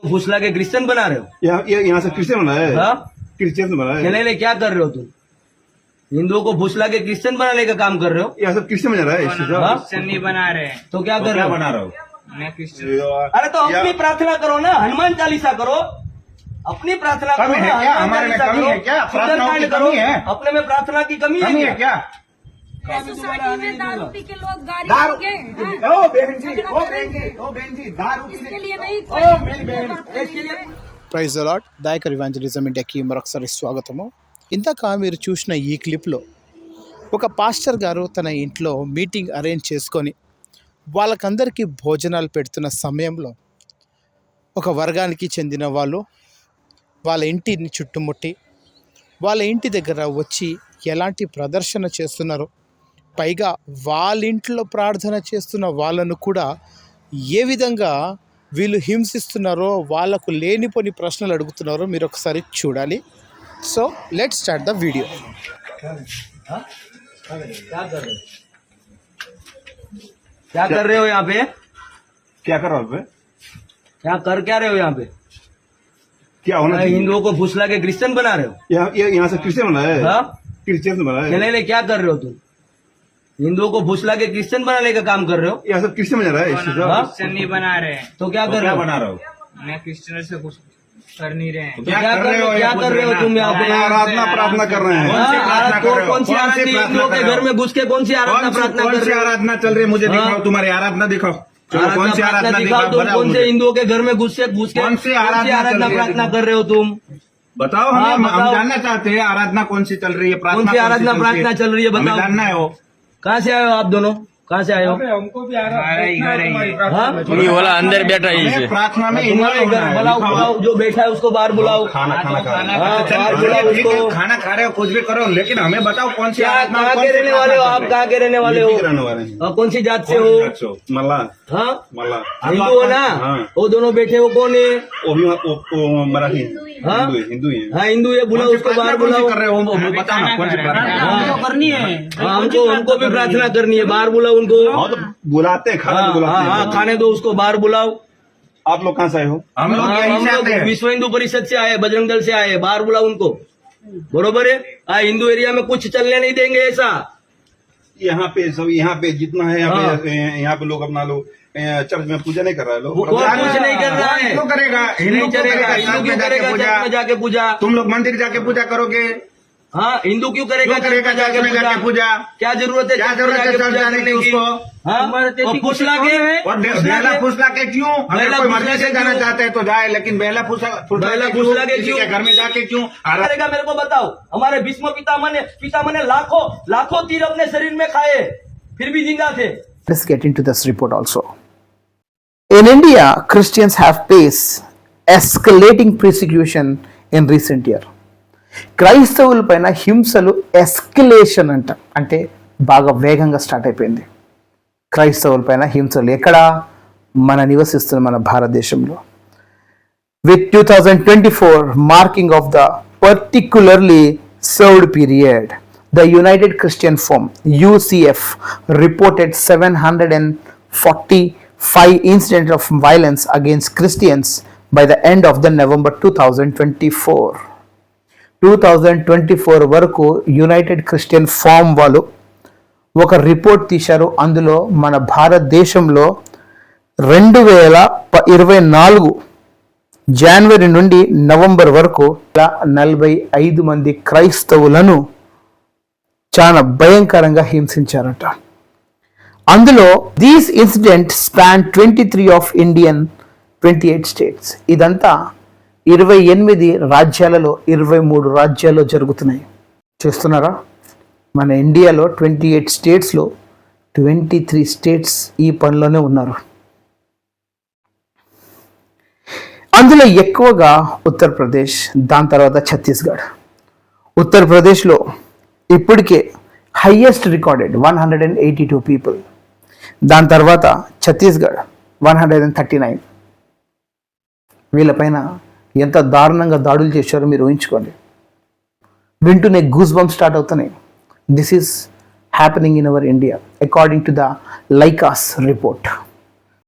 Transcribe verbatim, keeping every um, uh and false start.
फुसला के क्रिश्चियन बना रहे हो? यहाँ ये- यहाँ से क्रिश्चियन बना है। हाँ? क्रिश्चियन बना है। नहीं नहीं, क्या कर रहे हो तुम? हिंदुओं को फुसला के क्रिश्चियन बनाने का काम कर रहे हो? यहाँ सब क्रिश्चियन बना रहा है इससे सब। हाँ? क्रिश्चियन नहीं बना रहे हैं। तो क्या कर रहे हो? बना रहा हूँ मैं क्रिश्चियन अरे तो अपनी प्रार्थना करो ना, हनुमान चालीसा करो, अपनी प्रार्थना करो कमी है ना, क्या? हनुमान हमारे में चालीसा कमी करो। है क्या? प्रार्थनाओं की सुंदरकांड करो, कमी है? अपने में प्रार्थना की कमी है कमी है क्या? क्या? सोसाइटी में दारू पी के लोग गाड़ी दारू लेके, हैं? ओ बहन जी, झगड़ा ओ कर रहे बहन जी, हैं। ओ बहन जी, दारू इसके लिए नहीं ओ मेरी बहन, इसके लिए praise the lord. Dayakar evangelism ఇండియాకి మరొకసారి స్వాగతము. ఇందాక మీరు చూసిన ఈ క్లిప్లో ఒక పాస్టర్ గారు తన ఇంట్లో మీటింగ్ అరేంజ్ చేసుకొని వాళ్ళకందరికీ భోజనాలు పెడుతున్న సమయంలో ఒక వర్గానికి చెందిన వాళ్ళు వాళ్ళ ఇంటిని చుట్టుముట్టి వాళ్ళ ఇంటి దగ్గర వచ్చి ఎలాంటి ప్రదర్శన చేస్తున్నారో, పైగా వాళ్ళ ఇంట్లో ప్రార్థన చేస్తున్న వాళ్ళను కూడా ఏ విధంగా వీళ్ళు హింసిస్తున్నారో, వాళ్ళకు లేనిపోని ప్రశ్నలు అడుగుతున్నారో మీరు ఒకసారి చూడాలి. So let's start the video. हाँ? क्या कर रहे हो? क्या कर रहे हो यहाँ पे? क्या कर रहा हूँ? क्या कर क्या रहे हो यहाँ पे? क्या होना चाहिए? हिंदुओं को फुसला के क्रिश्चियन बना रहे हो? यहाँ ये- यहाँ से क्रिश्चियन बना है। हाँ? क्रिश्चियन बना नहीं है। नहीं नहीं, क्या कर रहे हो तुम? हिंदुओं को फुसला के क्रिश्चियन बनाने का काम कर रहे हो? यहाँ सब क्रिश्चियन बना रहा है इससे सब। हाँ? क्रिश्चियन नहीं बना रहे हैं। तो क्या कर रहे हो? रहा हूँ? मैं क्रिश्चियन से कुछ कर नहीं रहे हैं। तो क्या कर रहे हो? क्या कर रहे हो तुम यहाँ पे? आराधना प्रार्थना कर रहे हैं। कौन सी हाँ, प्रार्थना कौन- कर रहे हो? कौन सी कौन सी आराधना? प्रार्थना हिंदुओं के कर रहे घर हो? में घुस के कौन सी आराधना प्रार्थना कौन कर सी रहे हो? आराधना चल रही है? मुझे हाँ? दिखाओ, तुम्हारी आराधना दिखाओ। चलो कौन सी आराधना आराधना दिखाओ दिखाओ, तुम, बताओ कौन से मुझे। हिंदुओं के घर में घुस के घुस के कौन सी आराधना चल आराधना रही है? प्रार्थना कर रहे हो तुम? बताओ हाँ, हमें, हम बताओ। जानना चाहते हैं आराधना कौन सी चल रही है, प्रार्थना कौन सी आराधना चल रही प्रार्थना चल रही है, हमें बताओ। जानना है वो। कहाँ से आए हो आप दोनों? कहाँ से आए हो? हमारा ही घर है ये। हाँ? ये वाला अंदर बैठा है हमें इसे। प्रार्थना में तुम्हारे इन्वॉल्व घर होना है। बुलाओ, दिखाओ। बुलाओ, जो बैठा है उसको बाहर बुलाओ। खाना खाना खा रहे हैं। हाँ, चल, बाहर ठीक बुलाओ है, ठीक है, उसको। खाना खा रहे हो, कुछ भी करो, लेकिन हमें बताओ कौन सी क्या आराधना, कहाँ कौन के सी रहने वाले हो प्रार्थना आप? चल कहाँ के रहने वाले हो? यूपी के रहने वाले हैं। और कौन सी जात से रही हो? है? कौन सी जात से? मल्ला हाँ? मल्ला हिंदू हो ना? हाँ। वो दोनों बैठे हो कौन है? वो भी वो- वो मराठी हैं। हाँ? हिंदू है, हिंदू है। हाँ, हिंदू है, बुलाओ कौन सी उसको प्रार्थना बाहर कौन सी बुलाओ। कर रहे हो? वो- वो बताओ ना कौन सी प्रार्थना। हाँ, करनी है। हाँ, हमको हमको भी प्रार्थना करनी है, बाहर बुलाओ उनको। हाँ तो बुलाते हैं, खाने हाँ, को बुलाते हाँ, हैं। हाँ, खाने दो उसको, बाहर बुलाओ। आप लोग कहाँ से आए हो? हम लोग हाँ, यहीं हम से लोग आते हैं। विश्व हिंदू परिषद से आए, बजरंग दल से आए, बाहर बुलाओ उनको। बरोबर है? हाँ, हिंदू एरिया में कुछ चलने नहीं देंगे ऐसा। यहाँ पे सब यहाँ पे जितना है यहाँ हाँ। पे यहाँ पे लोग अपना लोग अ, चर्च में पूजा नहीं कर रहा है लोग। वो कुछ नहीं कर रहा है। क्यों करेगा? हिंदू नहीं क्यों चलेगा, करेगा? हिंदू चर्च क्यों में जाके करेगा पूजा? चर्च में जाके पूजा? तुम लोग मंदिर जाके पूजा करोगे? हाँ, हिंदू क्यों करेगा क्यों करेगा चर्च में चर्च में जाके पूजा? क्या जरूरत है क्या चर्च में जरूरत है जाके चर्च पूजा जाने करने की की? उसको? हाँ? और फुसला के और बे- फुसला बेला के- फुसला के क्यों? अगर बेला कोई फुसला मर्जी के से जाना क्यों? चाहते हैं तो जाए, लेकिन बेला फुसला बेला क्यों? फुसला के किसी क्यों? के घर में जाके क्यों? आरा- करेगा मेरे को बताओ। हमारे भीष्म पितामह ने पितामह ने लाखों लाखों तीर अपने शरीर में खाए, फिर भी जिंदा थे। Let's get into this report also. In India, Christians have faced escalating persecution in recent year. క్రైస్తవుల పైన హింసలు ఎస్కలేషన్ అంట, అంటే బాగా వేగంగా స్టార్ట్ అయిపోయింది. క్రైస్తవుల పైన హింసలు ఎక్కడ? మన నివసిస్తున్న మన భారతదేశంలో. With two thousand twenty four marking of the particularly served period, the United Christian Forum U C F reported seven hundred forty-five incidents of violence against Christians by the end of the November twenty twenty-four. twenty twenty-four వరకు United Christian form వాళ్ళు ఒక report తీశారు. అందులో మన భారతదేశంలో రెండు వేల ఇరవై నాలుగు జనవరి నుండి నవంబర్ వరకు నలభై ఐదు మంది క్రైస్తవులను చాలా భయంకరంగా హింసించారట. అందులో these incident span twenty three of Indian twenty eight states. ఇదంతా ఇరవై ఎనిమిది రాజ్యాలలో ఇరవై మూడు రాజ్యాల్లో జరుగుతున్నాయి. చూస్తున్నారా? మన ఇండియాలో ట్వంటీ ఎయిట్ స్టేట్స్లో ట్వంటీ త్రీ స్టేట్స్ ఈ పనిలోనే ఉన్నారు. అందులో ఎక్కువగా ఉత్తరప్రదేశ్, దాని తర్వాత ఛత్తీస్గఢ్. ఉత్తరప్రదేశ్లో ఇప్పటికే highest recorded one hundred and eighty two people. దాని తర్వాత Chhattisgarh one hundred and thirty nine. వీళ్ళపైన ఎంత దారుణంగా దాడులు చేశారో మీరు ఊహించుకోండి. వింటూనే గూస్ బంప్ స్టార్ట్ అవుతున్నాయి. This is happening in our India according to the Lycos report.